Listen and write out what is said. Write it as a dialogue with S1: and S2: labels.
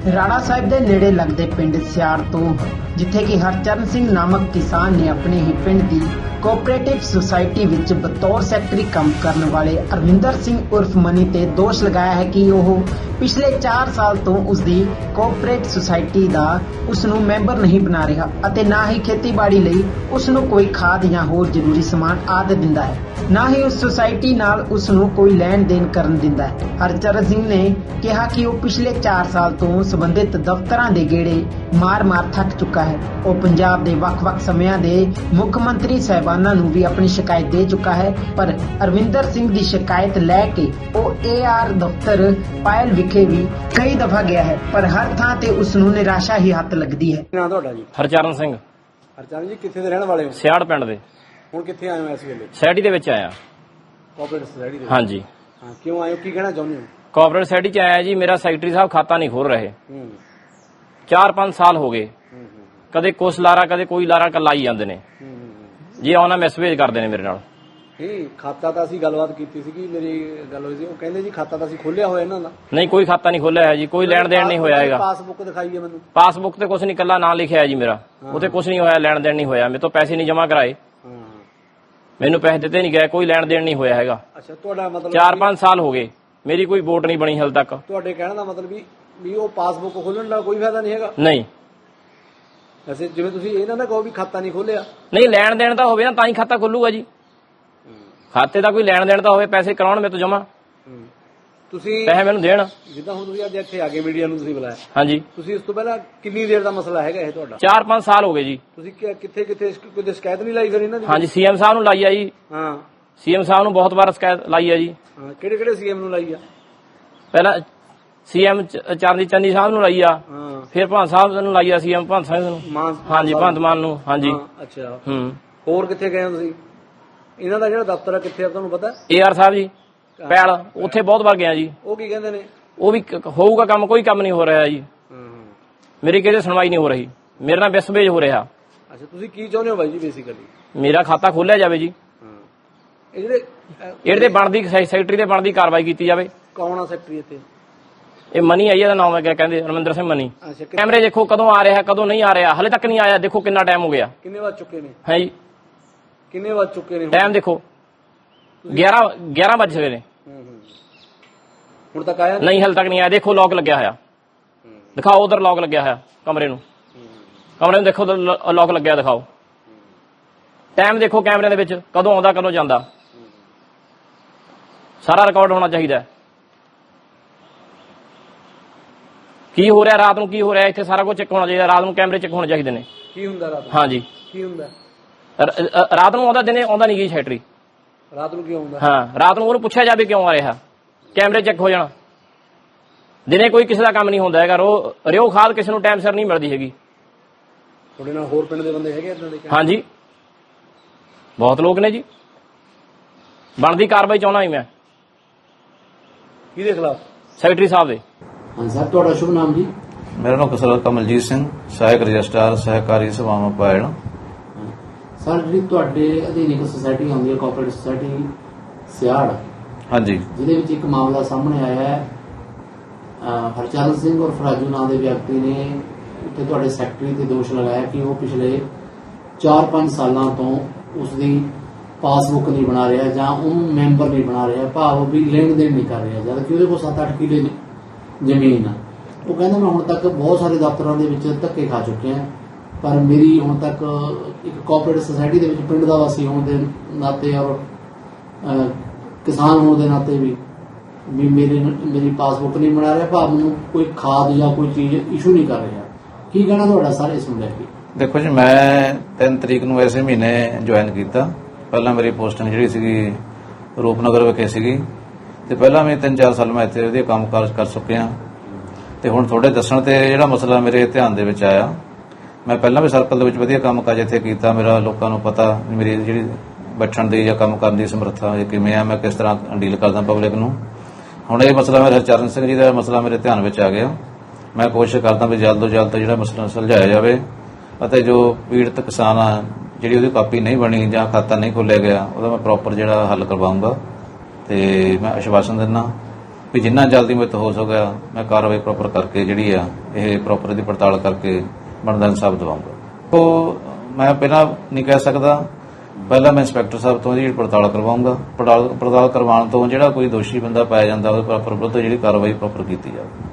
S1: ਰਾਣਾ ਸਾਹਿਬ ਦੇ ਨੇੜੇ ਲੱਗਦੇ ਪਿੰਡ ਸਿਆੜ ਤੋਂ ਜਿੱਥੇ ਕਿ ਹਰਚਰਨ ਸਿੰਘ ਨਾਮਕ ਕਿਸਾਨ ਨੇ ਆਪਣੇ ਹੀ ਪਿੰਡ ਦੀ ਕੋਆਪਰੇਟਿਵ ਸੁਸਾਇਟੀ ਵਿੱਚ ਬਤੌਰ ਸੈਕਟਰੀ ਕੰਮ ਕਰਨ ਵਾਲੇ ਅਰਵਿੰਦਰ ਸਿੰਘ ਉਰਫ ਮਨੀ ਤੇ ਦੋਸ਼ ਲਗਾਇਆ ਹੈ ਕਿ ਉਹ ਪਿਛਲੇ 4 ਸਾਲ ਤੋਂ ਉਸ ਦੀ ਕੋਆਪਰੇਟਿਵ ਸੁਸਾਇਟੀ ਦਾ ਉਸ ਨੂੰ ਮੈਂਬਰ ਨਹੀਂ ਬਣਾ ਰਿਹਾ ਅਤੇ ਨਾ ਹੀ ਖੇਤੀਬਾੜੀ ਲਈ ਉਸ ਨੂੰ ਕੋਈ ਖਾਦ ਜਾਂ ਹੋਰ ਜ਼ਰੂਰੀ ਸਮਾਨ ਆਦਿ ਦਿੰਦਾ ਹੈ, ਨਾ ਹੀ ਉਸ ਸੁਸਾਇਟੀ ਨਾਲ ਉਸ ਨੂੰ ਕੋਈ ਲੈਣ ਦੇਣ ਕਰਨ ਦਿੰਦਾ ਹੈ। ਹਰਚਰਨ ਸਿੰਘ ਨੇ ਕਿਹਾ ਕਿ ਉਹ ਪਿਛਲੇ 4 ਸਾਲ ਤੋਂ ਸੰਬੰਧਿਤ ਦਫ਼ਤਰਾਂ ਦੇ ਗੇੜੇ ਮਾਰ-ਮਾਰ ਥੱਕ ਚੁੱਕਾ ਹੈ। ਉਹ ਪੰਜਾਬ ਦੇ ਵੱਖ-ਵੱਖ ਸਮਿਆਂ ਦੇ ਮੁੱਖ ਮੰਤਰੀ ਸਾਹਿਬਾਨਾਂ ਨੂੰ ਵੀ ਆਪਣੀ ਸ਼ਿਕਾਇਤ ਦੇ ਚੁੱਕਾ ਹੈ, ਪਰ ਅਰਵਿੰਦਰ ਸਿੰਘ ਦੀ ਸ਼ਿਕਾਇਤ ਲੈ ਕੇ ਉਹ AR ਦਫ਼ਤਰ ਪਾਇਲ ਵਿਖੇ ਵੀ ਕਈ ਦਫਾ ਗਿਆ ਹੈ, ਪਰ ਹਰ ਥਾਂ ਤੇ ਉਸ ਨੂੰ ਨਿਰਾਸ਼ਾ ਹੀ ਹੱਥ ਲੱਗਦੀ ਹੈ।
S2: ਨਾਂ ਤੁਹਾਡਾ ਜੀ?
S3: ਹਰਚਰਨ ਸਿੰਘ।
S2: ਹਰਚਰਨ ਜੀ ਕਿੱਥੇ ਦੇ ਰਹਿਣ ਵਾਲੇ ਹੋ?
S3: ਸਿਆੜ ਪਿੰਡ ਦੇ।
S2: ਹੁਣ ਕਿੱਥੇ ਆਏ ਹੋ ਇਸ ਵੇਲੇ?
S3: ਸੋਸਾਇਟੀ ਦੇ ਵਿੱਚ ਆਇਆ।
S2: ਕੋਆਪਰੇਟਿਵ ਸੁਸਾਇਟੀ ਦੇ?
S3: ਹਾਂਜੀ।
S2: ਹਾਂ, ਕਿਉਂ ਆਏ ਹੋ, ਕੀ ਕਹਿਣਾ ਚਾਹੁੰਦੇ ਹੋ?
S3: ਕੋਆਪਰੇਟਿਵ ਸੁਸਾਇਟੀ 'ਚ ਆਇਆ ਜੀ। ਮੇਰਾ ਸੈਕਟਰੀ ਸਾਹਿਬ ਖਾਤਾ ਨਹੀਂ ਖੋਲ ਰਹੇ। 4-5 ਸਾਲ ਹੋ ਗਏ। ਕਦੇ ਕੁਛ ਲਾਰਾ ਕਦੇ ਕੋਈ ਲਾਰਾ ਲਾਈ ਜਾਂਦੇ ਨੇ ਜੀ। ਆਉਣਾ ਮੈਸੇਜ ਕਰਦੇ ਨੇ ਮੇਰੇ ਨਾਲ।
S2: ਨਹੀਂ, ਖਾਤਾ ਤਾਂ ਅਸੀਂ ਗੱਲਬਾਤ ਕੀਤੀ ਸੀਗੀ, ਮੇਰੀ ਗੱਲ ਹੋਈ ਸੀ। ਉਹ ਕਹਿੰਦੇ ਜੀ ਖਾਤਾ ਤਾਂ ਅਸੀਂ ਖੋਲਿਆ ਹੋਇਆ ਇਹਨਾਂ ਦਾ।
S3: ਨਹੀਂ, ਕੋਈ ਖਾਤਾ ਨਹੀਂ ਖੋਲਿਆ ਹੈ ਜੀ, ਕੋਈ ਲੈਣ ਦੇਣ ਨਹੀਂ ਹੋਇਆ ਹੈਗਾ।
S2: ਪਾਸਬੁੱਕ ਦਿਖਾਈ ਹੈ ਮੈਨੂੰ।
S3: ਪਾਸਬੁੱਕ ਤੇ ਕੁਛ ਨਹੀਂ, ਕੱਲਾ ਨਾਂ ਲਿਖਿਆ ਹੈ ਜੀ ਮੇਰਾ। ਉੱਥੇ ਕੁਛ ਨਹੀਂ ਹੋਇਆ, ਲੈਣ ਦੇਣ ਨਹੀਂ ਹੋਇਆ। ਮੇਰੇ ਤੋਂ ਪੈਸੇ ਨਹੀਂ ਜਮ੍ਹਾਂ ਕਰਾਏ, ਮੈਨੂੰ ਪੈਸੇ ਦਿੱਤੇ ਨਹੀਂ ਗਏ, ਕੋਈ ਲੈਣ ਦੇਣ ਨਹੀਂ ਹੋਇਆ ਹੈਗਾ।
S2: ਅੱਛਾ, ਤੁਹਾਡਾ ਮਤਲਬ
S3: 4-5 ਸਾਲ ਹੋ ਗਏ, ਮੇਰੀ ਕੋਈ ਵੋਟ ਨਹੀਂ ਬਣੀ ਹਾਲੇ ਤੱਕ।
S2: ਤੁਹਾਡੇ ਕਹਿਣ ਦਾ ਮਤਲਬ ਵੀ ਉਹ ਪਾਸਬੁੱਕ ਖੋਲਣ ਦਾ ਕੋਈ ਫਾਇਦਾ ਨਹੀਂ ਹੈਗਾ?
S3: ਨਹੀਂ।
S2: ਵੈਸੇ ਜਿਵੇਂ ਤੁਸੀਂ ਇਹਨਾਂ ਦਾ ਕਹੋ ਵੀ ਖਾਤਾ ਨਹੀਂ ਖੋਲਿਆ।
S3: ਨਹੀਂ, ਲੈਣ ਦੇਣ ਤਾਂ ਹੋਵੇ ਨਾ ਤਾਂ ਹੀ ਖਾਤਾ ਖੁੱਲੂਗਾ ਜੀ। ਖਾਤੇ ਦਾ ਕੋਈ ਲੈਣ ਦੇਣ ਤਾਂ ਹੋਵੇ, ਪੈਸੇ ਕਰਾਉਣ ਮੇਰੇ ਤੋਂ ਜਮਾ,
S2: ਤੁਸੀਂ
S3: ਪੈਸੇ ਮੈਨੂੰ ਦੇਣ।
S2: ਜਿੱਦਾਂ ਹੁਣ ਤੁਸੀਂ ਅੱਜ ਇੱਥੇ ਆ ਕੇ ਮੀਡੀਆ ਨੂੰ ਤੁਸੀਂ ਬੁਲਾਇਆ।
S3: ਹਾਂਜੀ।
S2: ਤੁਸੀਂ ਇਸ ਤੋਂ ਪਹਿਲਾਂ ਕਿੰਨੀ ਦੇਰ ਦਾ ਮਸਲਾ ਹੈਗਾ ਇਹ ਤੁਹਾਡਾ?
S3: 4-5 ਸਾਲ ਹੋ ਗਏ ਜੀ।
S2: ਤੁਸੀਂ ਕਿੱਥੇ ਕੋਈ ਸ਼ਿਕਾਇਤ ਨਹੀਂ ਲਾਈ ਫਿਰ ਇਹਨਾਂ ਦੀ?
S3: ਹਾਂਜੀ, CM ਸਾਹਿਬ ਨੂੰ ਲਾਈ ਆ ਜੀ।
S2: ਹਾਂ,
S3: CM ਸਾਹਿਬ ਨੂੰ ਬਹੁਤ ਵਾਰ ਸ਼ਿਕਾਇਤ ਲਾਈ ਆ ਜੀ।
S2: ਹਾਂ, ਕਿਹੜੇ CM ਨੂੰ ਲਾਈ ਆ?
S3: ਪਹਿਲਾਂ CM ਚਰਨਜੀਤ ਚੰਨੀ ਸਾਹਿਬ ਨੂੰ ਲਾਈ ਆ,
S2: ਹਾਂ,
S3: ਫਿਰ ਭਗਤ ਸਾਹਿਬ ਨੂੰ ਲਾਈ ਆ, CM ਭਗਤ ਸਿੰਘ ਨੂੰ। ਹਾਂਜੀ, ਭਗਤ ਮਾਨ ਨੂੰ। ਹਾਂਜੀ।
S2: ਅੱਛਾ।
S3: ਹੋਰ
S2: ਕਿੱਥੇ ਗਏ ਹੋ ਤੁਸੀਂ? ਇਹਨਾਂ ਦਾ ਜਿਹੜਾ ਦਫ਼ਤਰ ਆ ਕਿੱਥੇ ਆ ਤੁਹਾਨੂੰ ਪਤਾ?
S3: AR ਸਾਹਿਬ ਜੀ ਪੈਲ, ਉੱਥੇ ਬਹੁਤ ਵਾਰ ਗਿਆ ਜੀ।
S2: ਉਹ ਕੀ ਕਹਿੰਦੇ ਨੇ?
S3: ਉਹ ਵੀ ਹੋਊਗਾ ਕੰਮ, ਕੋਈ ਕੰਮ ਨਹੀਂ ਹੋ ਰਿਹਾ ਜੀ। ਮੇਰੀ ਕਿਸੇ ਸੁਣਵਾਈ ਨਹੀਂ ਹੋ ਰਹੀ, ਮੇਰੇ ਨਾਲ ਮਿਸਬੇਜ ਹੋ ਰਿਹਾ।
S2: ਅੱਛਾ, ਤੁਸੀਂ ਕੀ ਚਾਹੁੰਦੇ ਹੋ ਬਾਈ ਜੀ ਬੇਸਿਕਲੀ?
S3: ਮੇਰਾ ਖਾਤਾ ਖੋਲਿਆ ਜਾਵੇ ਜੀ।
S2: ਇਹ ਜਿਹੜੇ
S3: ਇਹਦੇ ਬਣਦੀ ਸੈਕਟਰੀ ਤੇ ਬਣਦੀ ਕਾਰਵਾਈ ਕੀਤੀ ਜਾਵੇ।
S2: ਕੌਣ ਆ ਸੈਕਟਰੀ ਇੱਥੇ?
S3: ਇਹ ਮਨੀ ਆਈ, ਇਹਦਾ ਨਾਮ ਹੈ, ਕਹਿੰਦੇ ਅਰਵਿੰਦਰ ਸਿੰਘ ਮਨੀ। ਕੈਮਰੇ ਦੇਖੋ ਕਦੋਂ ਆ ਰਿਹਾ ਕਦੋਂ ਨਹੀਂ ਆ ਰਿਹਾ, ਹਲੇ ਤੱਕ ਨਹੀਂ ਆਇਆ। ਦੇਖੋ ਕਿੰਨਾ ਟਾਈਮ ਹੋ ਗਿਆ।
S2: ਕਿੰਨੇ ਵੱਜ ਚੁੱਕੇ ਨੇ?
S3: ਹੈ ਜੀ,
S2: ਕਿੰਨੇ ਵੱਜ ਚੁੱਕੇ ਨੇ?
S3: ਟਾਈਮ ਦੇਖੋ 11 ਵੱਜ ਗਏ ਨੇ।
S2: ਹੁਣ ਤੱਕ ਆਇਆ
S3: ਨਹੀਂ, ਹਲੇ ਤੱਕ ਨਹੀਂ ਆਇਆ। ਦੇਖੋ ਲੌਕ ਲੱਗਿਆ ਹੋਇਆ, ਦਿਖਾਓ ਉਧਰ ਲੌਕ ਲੱਗਿਆ ਹੋਇਆ ਕਮਰੇ ਨੂੰ ਦੇਖੋ ਲੌਕ ਲੱਗਿਆ, ਦਿਖਾਓ। ਟਾਈਮ ਦੇਖੋ ਕੈਮਰੇ ਦੇ ਵਿੱਚ, ਕਦੋਂ ਆਉਂਦਾ ਕਦੋਂ ਜਾਂਦਾ, ਸਾਰਾ ਰਿਕਾਰਡ ਹੋਣਾ ਚਾਹੀਦਾ। ਕੀ ਹੋ ਰਿਹਾ ਰਾਤ ਨੂੰ, ਕੀ ਹੋ ਰਿਹਾ ਇੱਥੇ, ਸਾਰਾ ਕੁਝ ਚੈੱਕ ਹੋਣਾ ਚਾਹੀਦਾ। ਰਾਤ ਨੂੰ ਕੈਮਰੇ ਚੈੱਕ ਹੋਣੇ ਚਾਹੀਦੇ ਨੇ।
S2: ਕੀ ਹੁੰਦਾ ਰਾਤ ਨੂੰ?
S3: ਹਾਂਜੀ,
S2: ਕੀ ਹੁੰਦਾ
S3: ਰਾਤ ਨੂੰ ਆਉਂਦਾ, ਦਿਨੇ ਆਉਂਦਾ ਨਹੀਂ ਗਈ ਸੈਕਟਰੀ।
S2: ਰਾਤ ਨੂੰ ਕੀ ਆਉਂਦਾ? ਹਾਂ,
S3: ਰਾਤ ਨੂੰ ਉਹਨੂੰ ਪੁੱਛਿਆ ਜਾਵੇ ਕਿਉਂ ਆ ਰਿਹਾ, ਕੈਮਰੇ ਚੈੱਕ ਹੋ ਜਾਣ। ਦਿਨੇ ਕੋਈ ਕਿਸੇ ਦਾ ਕੰਮ ਨਹੀਂ ਹੁੰਦਾ ਹੈਗਾ। ਰਿਓ ਖਾਦ ਕਿਸੇ ਨੂੰ ਟਾਈਮ ਸਿਰ ਨਹੀਂ ਮਿਲਦੀ ਹੈਗੀ।
S2: ਤੁਹਾਡੇ ਨਾਲ ਹੋਰ ਪਿੰਡ ਦੇ ਬੰਦੇ ਹੈਗੇ ਇਦਾਂ ਦੇ?
S3: ਹਾਂਜੀ, ਬਹੁਤ ਲੋਕ ਨੇ ਜੀ। ਬਣਦੀ ਕਾਰਵਾਈ ਚਾਹੁੰਦਾ ਹੀ ਮੈਂ।
S2: ਕਿਹਦੇ ਖਿਲਾਫ?
S3: ਸੈਕਟਰੀ ਸਾਹਿਬ ਦੇ।
S2: ਹਾਂ ਸਰ, ਤੁਹਾਡਾ ਸ਼ੁਭ ਨਾਮ ਜੀ?
S4: ਮੇਰਾ ਨਾਮ ਕਸਰ ਕਮਲਜੀਤ ਸਿੰਘ, ਸਹਾਇਕ ਰਜਿਸਟਰਾਰ ਸਹਿਕਾਰੀ ਸਭਾਵਾਂ ਪਾਇਲ।
S2: ਸਰ, ਜਿਹੜੀ ਤੁਹਾਡੇ ਅਧੀਨ ਇੱਕ ਸੁਸਾਇਟੀ ਆਉਂਦੀ ਹੈ ਕੋਆਪਰੇਟਿਵ ਸੁਸਾਇਟੀ ਸਿਆੜ,
S4: ਹਾਂਜੀ,
S2: ਜਿਹਦੇ ਵਿੱਚ ਇੱਕ ਮਾਮਲਾ ਸਾਹਮਣੇ ਆਇਆ ਹੈ। ਹਰਚਰਨ ਸਿੰਘ ਔਰ ਫਰਾਜੂ ਨਾਂ ਦੇ ਵਿਅਕਤੀ ਨੇ ਉੱਥੇ ਤੁਹਾਡੇ ਸੈਕਟਰੀ ਤੇ ਦੋਸ਼ ਲਗਾਇਆ ਕਿ ਉਹ ਪਿਛਲੇ 4-5 ਸਾਲਾਂ ਤੋਂ ਉਸ ਦੀ ਪਾਸਬੁੱਕ ਨਹੀਂ ਬਣਾ ਰਿਹਾ ਜਾਂ ਉਹਨੂੰ ਮੈਂਬਰ ਨਹੀਂ ਬਣਾ ਰਿਹਾ, ਭਾਵ ਵੀ ਲੈਣ ਦੇਣ ਨਹੀਂ ਕਰ ਰਿਹਾ, ਜਦ ਕਿ ਉਹਦੇ ਕੋਲ 7-8 ਕਿੱਲੇ ਜ਼ਮੀਨ ਆ। ਉਹ ਕਹਿੰਦਾ ਮੈਂ ਹੁਣ ਤੱਕ ਬਹੁਤ ਸਾਰੇ ਦਫ਼ਤਰਾਂ ਦੇ ਵਿੱਚ ਧੱਕੇ ਖਾ ਚੁੱਕਿਆ, ਪਰ ਮੇਰੀ ਹੁਣ ਤੱਕ ਇੱਕ ਕੋਆਪਰੇਟਿਵ ਸੁਸਾਇਟੀ ਦੇ ਵਿੱਚ ਪਿੰਡ ਦਾ ਵਾਸੀ ਹੋਣ ਦੇ ਨਾਤੇ ਔਰ ਕਿਸਾਨ ਹੋਣ ਦੇ ਨਾਤੇ ਵੀ ਮੇਰੀ ਪਾਸਬੁੱਕ ਨਹੀਂ ਬਣਾ ਰਿਹਾ, ਭਾਵ ਮੈਨੂੰ ਕੋਈ ਖਾਦ ਜਾਂ ਕੋਈ ਚੀਜ਼ ਇਸ਼ੂ ਨਹੀਂ ਕਰ ਰਿਹਾ। ਕੀ ਕਹਿਣਾ ਤੁਹਾਡਾ ਸਰ ਇਸ ਨੂੰ ਲੈ ਕੇ?
S4: ਦੇਖੋ ਜੀ, ਮੈਂ 3 ਤਰੀਕ ਨੂੰ ਇਸੇ ਮਹੀਨੇ ਜੁਆਇਨ ਕੀਤਾ। ਪਹਿਲਾਂ ਮੇਰੀ ਪੋਸਟਿੰਗ ਜਿਹੜੀ ਸੀਗੀ ਰੂਪਨਗਰ ਵਿਖੇ ਸੀਗੀ, ਤੇ ਪਹਿਲਾਂ ਵੀ 3-4 ਸਾਲ ਮੈਂ ਇੱਥੇ ਵਧੀਆ ਕੰਮ ਕਰ ਚੁੱਕਿਆ। ਤੇ ਹੁਣ ਤੁਹਾਡੇ ਦੱਸਣ ਤੇ ਜਿਹੜਾ ਮਸਲਾ ਮੇਰੇ ਧਿਆਨ ਦੇ ਵਿੱਚ ਆਇਆ, ਮੈਂ ਪਹਿਲਾਂ ਵੀ ਸਰਕਲ ਦੇ ਵਿੱਚ ਵਧੀਆ ਕੰਮ ਕਾਜ ਇੱਥੇ ਕੀਤਾ। ਮੇਰਾ ਲੋਕਾਂ ਨੂੰ ਪਤਾ ਮੇਰੀ ਜਿਹੜੀ ਬੈਠਣ ਦੀ ਜਾਂ ਕੰਮ ਕਰਨ ਦੀ ਸਮਰੱਥਾ ਕਿਵੇਂ ਆ, ਮੈਂ ਕਿਸ ਤਰ੍ਹਾਂ ਡੀਲ ਕਰਦਾ ਪਬਲਿਕ ਨੂੰ। ਹੁਣ ਇਹ ਮਸਲਾ ਮੇਰੇ ਹਰਚਰਨ ਸਿੰਘ ਜੀ ਦਾ ਮਸਲਾ ਮੇਰੇ ਧਿਆਨ ਵਿੱਚ ਆ ਗਿਆ। ਮੈਂ ਕੋਸ਼ਿਸ਼ ਕਰਦਾ ਵੀ ਜਲਦ ਤੋਂ ਜਲਦ ਜਿਹੜਾ ਮਸਲਾ ਸੁਲਝਾਇਆ ਜਾਵੇ ਅਤੇ ਜੋ ਪੀੜਤ ਕਿਸਾਨ ਆ ਜਿਹੜੀ ਉਹਦੀ ਕਾਪੀ ਨਹੀਂ ਬਣੀ ਜਾਂ ਖਾਤਾ ਨਹੀਂ ਖੋਲ੍ਹਿਆ ਗਿਆ, ਉਹਦਾ ਮੈਂ ਪ੍ਰੋਪਰ ਜਿਹੜਾ ਹੱਲ ਕਰਵਾਊਂਗਾ। ਤੇ ਮੈਂ ਆਸ਼ਵਾਸਨ ਦਿੰਦਾ ਵੀ ਜਿੰਨਾ ਜਲਦੀ ਮੇਰੇ ਤੋਂ ਹੋ ਸਕਿਆ ਮੈਂ ਕਾਰਵਾਈ ਪ੍ਰੋਪਰ ਕਰਕੇ ਜਿਹੜੀ ਆ ਇਹ ਪ੍ਰੋਪਰ ਦੀ ਪੜਤਾਲ ਕਰਕੇ ਬਣਦਾ ਇਨਸਾਫ ਦਿਵਾਉਂਗਾ। ਉਹ ਮੈਂ ਪਹਿਲਾਂ ਨਹੀਂ ਕਹਿ ਸਕਦਾ, ਪਹਿਲਾਂ ਮੈਂ ਇੰਸਪੈਕਟਰ ਸਾਹਿਬ ਤੋਂ ਜਿਹੜੀ ਪੜਤਾਲ ਕਰਵਾਉਂਗਾ। ਪੜਤਾਲ ਕਰਵਾਉਣ ਤੋਂ ਜਿਹੜਾ ਕੋਈ ਦੋਸ਼ੀ ਬੰਦਾ ਪਾਇਆ ਜਾਂਦਾ ਉਹਦੇ ਪ੍ਰੋਪਰ ਵਿਰੁੱਧ ਜਿਹੜੀ ਕਾਰਵਾਈ ਪ੍ਰੋਪਰ ਕੀਤੀ ਜਾਵੇ।